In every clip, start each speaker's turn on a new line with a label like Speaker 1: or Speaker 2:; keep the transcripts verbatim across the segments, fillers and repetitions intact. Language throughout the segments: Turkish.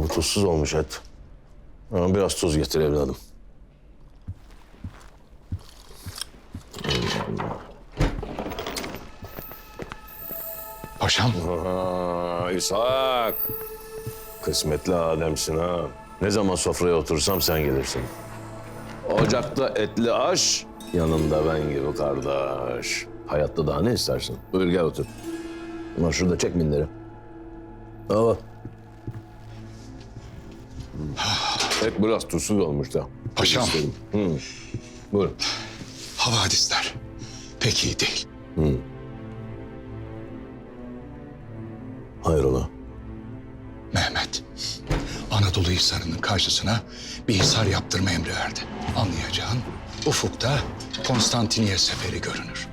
Speaker 1: Bu tuzsuz olmuş et. Ama biraz tuz getir evladım.
Speaker 2: Paşam.
Speaker 1: Aa, İshak. Kısmetli Adem'sin ha. Ne zaman sofraya otursam sen gelirsin. Ocakta etli aş, yanında ben gibi kardeş. Hayatta daha ne istersin? Buyur gel otur. Ulan şurada çek minderi. Al. Et biraz tuzsuz olmuş da.
Speaker 2: Paşam.
Speaker 1: Hı. Buyur.
Speaker 2: Havadisler pek iyi değil.
Speaker 1: Hı. Hayrola?
Speaker 2: Mehmet, Anadolu Hisarı'nın karşısına bir hisar yaptırma emri verdi. Anlayacağın ufukta Konstantiniye seferi görünür.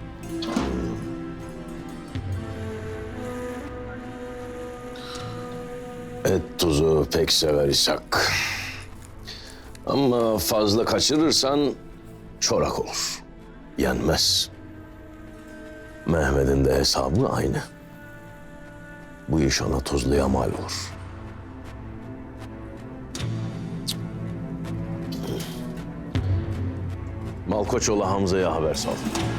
Speaker 1: Et tuzu pek sever İshak. Ama fazla kaçırırsan çorak olur. Yenmez. Mehmet'in de hesabı aynı. Bu iş ona tuzluya mal olur. Malkoçoğlu Hamza'ya haber sal.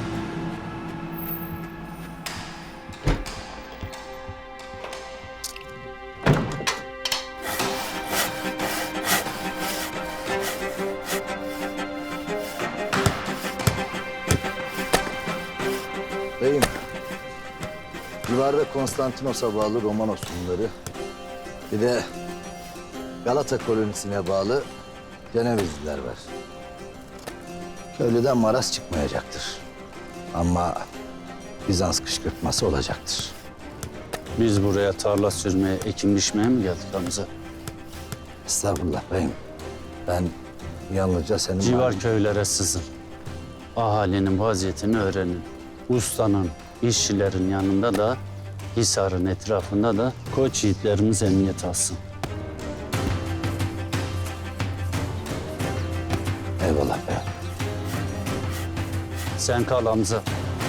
Speaker 3: Beyim, civarda Konstantinos'a bağlı Romanos Hunları, bir de Galata kolonisine bağlı Cenevizliler var. Köylüden maraz çıkmayacaktır. Ama Bizans kışkırtması olacaktır.
Speaker 4: Biz buraya tarla sürmeye, ekim biçmeye mi geldik Hamza?
Speaker 3: Estağfurullah beyim. Ben yalnızca senin...
Speaker 4: Civar köylere sızın. Ahalinin vaziyetini öğrenin. Ustanın, işçilerin yanında da, Hisar'ın etrafında da koç yiğitlerimiz emniyet alsın.
Speaker 3: Eyvallah beyim.
Speaker 4: Sen kal Hamza.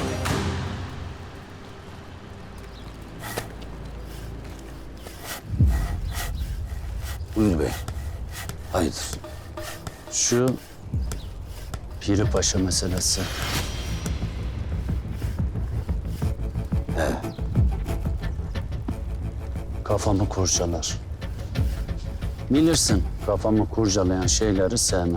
Speaker 3: Buyur beyim. Hayırdır?
Speaker 4: Şu Piri Paşa meselesi.
Speaker 3: He.
Speaker 4: Kafamı kurcalar. Bilirsin, kafamı kurcalayan şeyleri sevmem.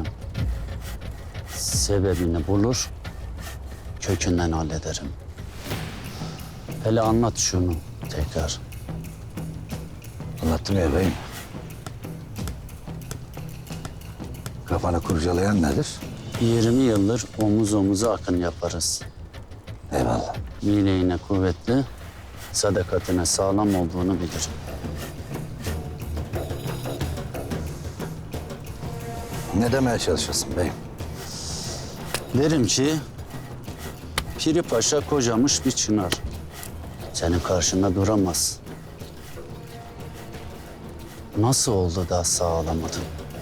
Speaker 4: Sebebini bulur, kökünden hallederim. Hele anlat şunu tekrar.
Speaker 3: Anlattım ya beyim. Kafanı kurcalayan nedir?
Speaker 4: yirmi yıldır omuz omuza akın yaparız.
Speaker 3: Eyvallah.
Speaker 4: Bileğine kuvvetli, sadakatine sağlam olduğunu bilirim.
Speaker 3: Ne demeye çalışıyorsun beyim?
Speaker 4: Derim ki, Piri Paşa kocamış bir çınar. Senin karşında duramaz. Nasıl oldu da sağlamadın?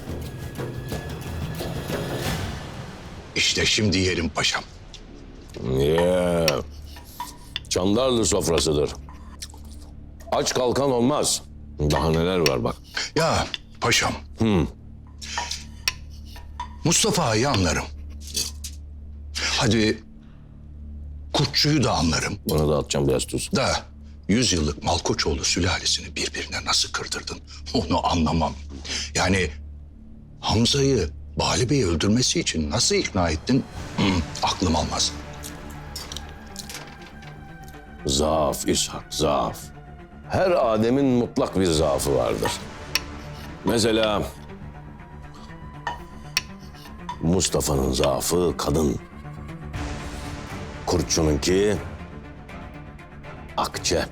Speaker 2: İşte şimdi yerim paşam.
Speaker 1: Yeah. Çandarlı sofrasıdır. Aç kalkan olmaz. Daha neler var bak.
Speaker 2: Ya paşam.
Speaker 1: Hı.
Speaker 2: Mustafa'yı anlarım. Hadi Kurtçu'yu da anlarım.
Speaker 1: Bana da atacağım biraz tuz.
Speaker 2: Da yüz yıllık Malkoçoğlu sülalesini birbirine nasıl kırdırdın onu anlamam. Yani Hamza'yı Bali Bey'i öldürmesi için nasıl ikna ettin? Hı, aklım almaz.
Speaker 1: Zaaf İshak, zaaf. Her Adem'in mutlak bir zaafı vardır. Mesela Mustafa'nın zaafı kadın. Kurtçu'nunki akçe.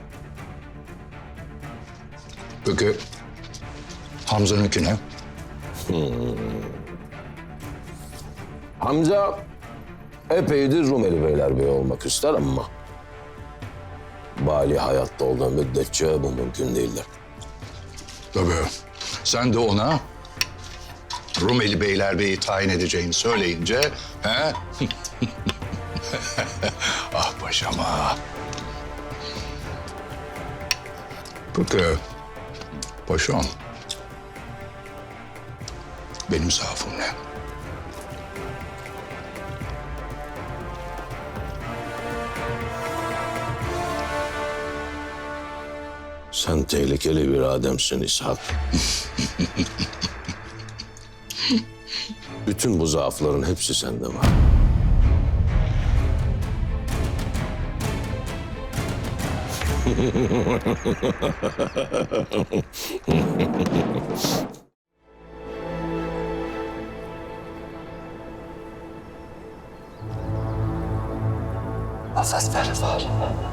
Speaker 2: Peki Hamza'nınki ne?
Speaker 1: Hamza epeydir Rumeli Beylerbeyi olmak ister ama Bali hayatta olduğu müddetçe bu mümkün değildir.
Speaker 2: Tabii. Sen de ona Rumeli Beylerbeyi tayin edeceğini söyleyince... He? Ah paşam ah. Peki paşam. Benim zaafım ne?
Speaker 1: Sen tehlikeli bir adamsın İshak. Bütün bu zaafların hepsi sende var.
Speaker 3: Nefes ver var.